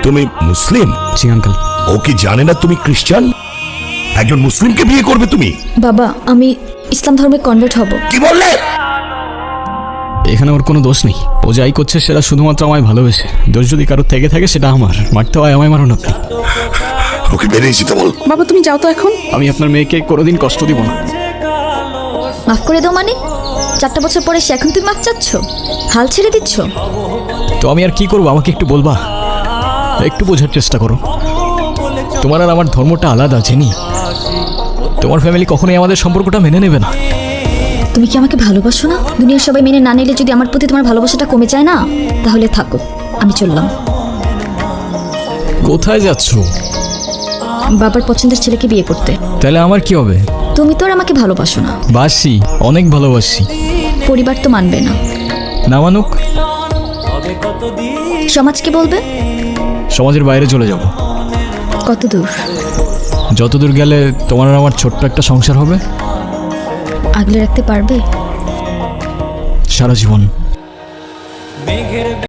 তুমি মুসলিম? জি আঙ্কেল। ও কি জানে না তুমি খ্রিস্টান? একজন মুসলিমকে বিয়ে করবে তুমি? বাবা, আমি ইসলাম ধর্মে কনভার্ট হব। কি বললে? এখানে ওর কোনো দোষ নেই, ও যাই করছে সেটা শুধুমাত্র আমায় ভালোবেসে। দোষ যদি কারোর থেকে থাকে সেটা আমার, মারতে হয় আমায়, মারুন আপনি। ওকে বেরিয়ে যেতে বল। বাবা তুমি যাও তো এখন। আমি আপনার মেয়েকে কোনোদিন কষ্ট দিব না। মাফ করে দাও মানে? 4টা বছর পরে সে এখন তুমি মাফ চাচ্ছ? হাল ছেড়ে দিচ্ছ? তো আমি আর কি করবো, আমাকে একটু বলবা? একটু বোঝার চেষ্টা করো। তোমার আর আমার ধর্মটা আলাদা জেনি। তোমার ফ্যামিলি কখনোই আমাদের সম্পর্কটা মেনে নেবে না। তুমি কি আমাকে ভালোবাসো না? দুনিয়ার সবাই মেনে না নিলে যদি আমার প্রতি তোমার ভালোবাসাটা কমে যায় না, তাহলে থাকো, আমি চললাম। কোথায় যাচ্ছ? বাবার পছন্দের ছেলেকে বিয়ে করতে। তাহলে আমার কি হবে? তুমি তো আর আমাকে ভালোবাসো না। বাসি, অনেক ভালোবাসি। পরিবার তো মানবে না। না মানুক? সমাজ কি বলবে? সমাজের বাইরে চলে যাব। কত দূর? যতদূর গেলে তোমার আর আমার ছোট্ট একটা সংসার হবে। আগলে রাখতে পারবে? সারা জীবন।